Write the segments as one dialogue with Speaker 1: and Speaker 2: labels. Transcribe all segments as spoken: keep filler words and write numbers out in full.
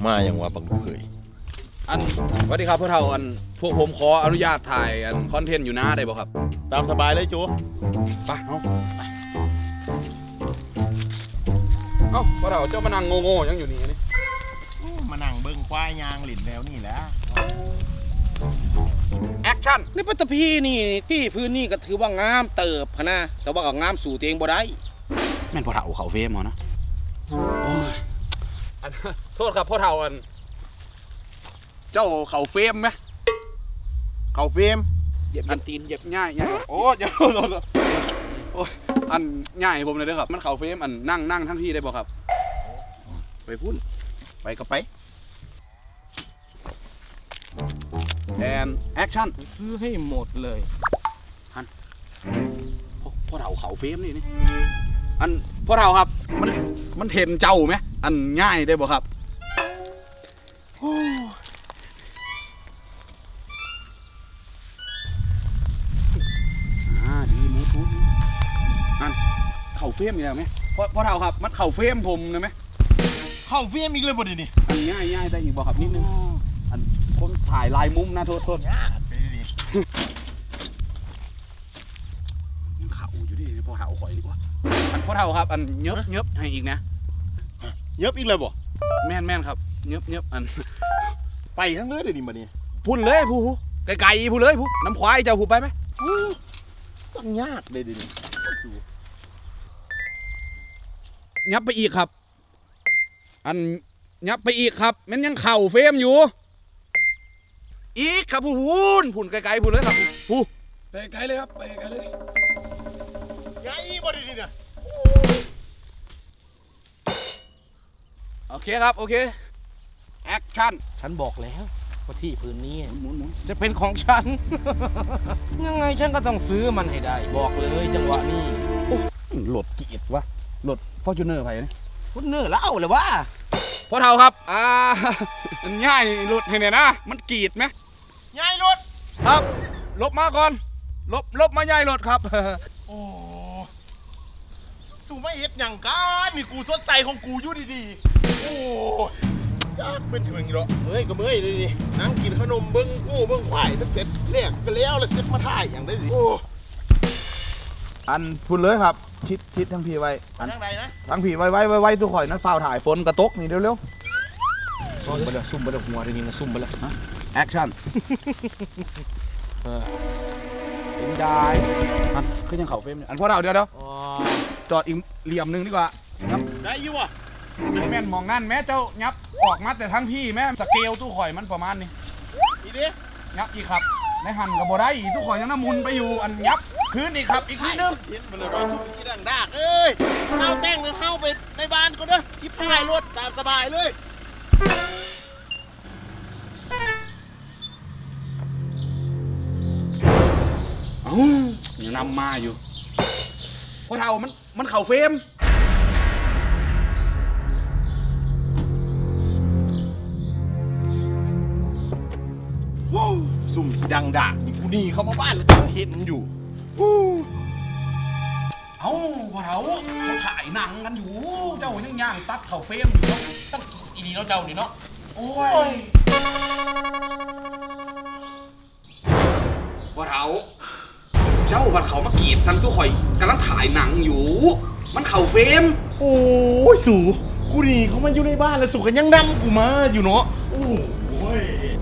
Speaker 1: มาอย่างว่าบังเคย
Speaker 2: อันสวัสดีครับพวกเราอันพวกผมขออนุญาตถ่ายอันคอนเทนต์อยู่หน้าได้บ่ครับ
Speaker 1: ตามสบายเลยจู
Speaker 2: ไปเอาไปเอ้าพวกเราเจ้ามานั่งโง่ๆยังอยู่นี่นี่
Speaker 1: มานั่งเบิ้งควายยางหลินแนวนี่แหละ
Speaker 2: แอคชั่น
Speaker 3: นี่ปัตตพีนี่ที่พื้นนี่ก็ถือว่างามเติบพะนะแต่ว่าก็งามสู่ตัวเองบ่ได้
Speaker 2: แม่นพวกเราเขาเฟมเหรอนะโอ้ยอันโทษครับพวกเราอันเจ้าเขาเฟมไหม
Speaker 1: เขาเฟม
Speaker 2: เหยียบอันตีนเหยียบง่ายง่ายโอ้ยโอ้ยอันง่ายผมเลยเด้อครับมันเขาเฟมอันนั่งนั่งทั้งที่ได้บ่ครับ
Speaker 1: ไปพุ่นไปก็ไป
Speaker 2: แอนแอคชั่น
Speaker 3: ซื้อให้หมดเลย
Speaker 2: ฮันพ่อเราเขาเฟมนี่นี่อันพ่อเราครับมันมันเห็นเจ้าไหมอันง่ายได้บ่ครับอ่าดีมูทูอันเข่าเฟมอยู่แล้วไหมพ่อพ่อเราครับมันเข่าเฟมผมเลยไหม
Speaker 1: เข้าเฟมอีกเลยบ่ดินี่
Speaker 2: อันง่ายง่ายได้อีกบ่ครับนิดนึงอันคนถ่ายลายมุมนะโทษโทษยังเข่าอยู่ดิพ่อเข่าข่อยดีกว่าอันพ่อเข่าครับอันเย็บเย็บให้อีกนะ
Speaker 1: เย็บอีกเลยบ่
Speaker 2: แม่นแม่นครับเย็บเย็บอัน
Speaker 1: ไปทั้งเลยเดี๋ยวนี้มาเนี่ย
Speaker 2: พุ่นเลยผู้ผู้ไกลๆผู้เลยผู้น้ำควายเจ้าผู้ไปไหม
Speaker 1: ต้องยากเลยดินี่
Speaker 2: ยับไปอีกครับอันยับไปอีกครับมันยังเข่าเฟมอยู่อีกครับผู้พุ่นพุ่นไกลๆผู้เลยครับผู้ไปไกลเลยครับไปไกลเลย
Speaker 1: ยายบ่ดีๆนะ
Speaker 2: โอเคครับโอเคแอคชั่น
Speaker 3: ฉันบอกแล้วว่าที่พื้นนี้
Speaker 2: หมุน
Speaker 3: จะเป็นของฉัน ยังไงฉันก็ต้องซื้อมันให้ได้บอกเลยจังหวะนี้
Speaker 2: โหลดเกียรติวะโหลดฟอร์จูเนอร์ไปนี่
Speaker 3: ฟอร์จูเนอร์แล้วเลยว่า
Speaker 2: พ่อเท่าครับอ่าง่ายหลุดให้เนี่ยนะมันกีดไหม
Speaker 1: ง่ายหลุด
Speaker 2: ครับลบมาก่อนลบลบมาง่ายหลุดครับ
Speaker 1: โอ้สู้ไม่เฮ็ดอย่างกันนี่กูสดใสของกูอยู่ดีๆโอ้ยากเป็นถึงอีกแล้วเฮ้ยก็เมื่อยเลยดินั่งกินขนมเบิ้งกู้เบิ้งควายตั้งแต่แรกก็แล้วแล้วเสร็จมาถ่ายอย่างได้ดิโอ้
Speaker 2: อันพูดเลยครับชิดชิดทั้งพีไว้
Speaker 1: ทางใดนะ
Speaker 2: ทั้งพีไว้ไว้ไว้ไว้ตัวข่อยนั้นฝ้าถ่ายฝนกระตกนี่เร็วเร็ว
Speaker 3: ซุ่มไปเลยซุ่มไปเลยหัวทีนี้นะซุ่มไปเลย
Speaker 2: แอคชั่นเป็นได้อันขึ้นยังเข่าเฟรมอันพอเราเดี๋ยวเดี๋ยวจอดอีกเหลี่ยมหนึ่งดีกว่า
Speaker 1: ได้อยู่อ่ะ
Speaker 2: แม่นมองนั่นแม่เจ้ายับออกมาแต่ทั้งพี่แม่สเกลตู้ข่อยมันประมาณนี้
Speaker 1: อีดิ
Speaker 2: ยับอีกครับในหันกับโบได้ตู้ข่อยยังน้ำมุนไปอยู่อันยับคืนอีกครับอีกนิดนึง
Speaker 1: เห็นมันเลยว่าสู้ที่ดังดากเอ้ยเข้าแต่งเลยเข้าไปในบ้านก็เด้อที่พายรถตามสบายเลย
Speaker 2: เอ้ายังนำมาอยู่พอเท่ามันมันเข่าเฟรม
Speaker 1: ซุ่มดังด่านี่กูนี่เข้ามาบ้านแล้วเห็นอยู่
Speaker 2: เอ้าพอเท่าเขาถ่ายหนังกันอยู่เจ้ายังย่างตัดเข่าเฟรมอยู่ตั้งอีนีเนาะเจ้านี่เนาะโอ้ยพอเท่าเจ้าบัดเขามากีดซันตู้ข่อยกำลังถ่ายหนังอยู่มันเข่าเฟรม
Speaker 1: โอ้ยสูกูนี่เขามาอยู่ในบ้านแล้วสูกันยังดำกูมาอยู่เนาะโอ้ย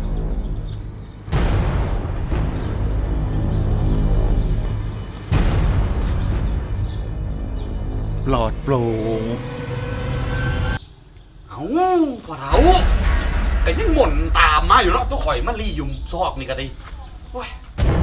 Speaker 1: ปลอดโปร่ง
Speaker 2: เอาพอเท่าแต่ยังหม่นตามมาอยู่เนาะตู้ข่อยมารียุ่มซอกนี่ก็ดีโอ้ย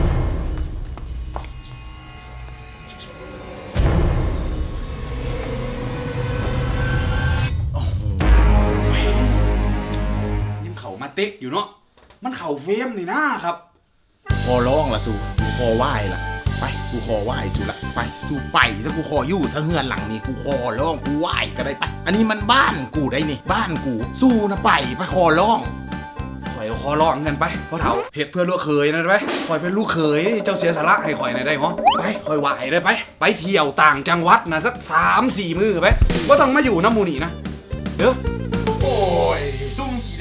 Speaker 2: มาติ๊กอยู่เนาะมันเข่าเฟมนี่นะครับ
Speaker 1: ขอร้องละสูกูขอไหว้ละไปกูขอไหว้สูละไปสูไปถ้ากูขออยู่ซะเฮือนหลังนี้กูขอร้องกูไหว้ก็ได้ไปอันนี้มันบ้านกูได้นี่บ้านกูสู้นะไปไปขอร้อง
Speaker 2: ข่อยขอร้องกันไปเพราะเถาเผ็ดเพื่อลูกเขยนะไปข่อยเป็นลูกเขยเจ้าเสียสละให้ข่อยหน่อยได้มั้งไปข่อยไหวได้ไปไปเที่ยวต่างจังหวัดนะสักสามสี่มื้อไปว่าต้องมาอยู่น้ำมูนี่นะเด้อ
Speaker 1: โอ้ยซุ่มขี้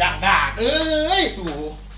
Speaker 1: เอ้ยสู่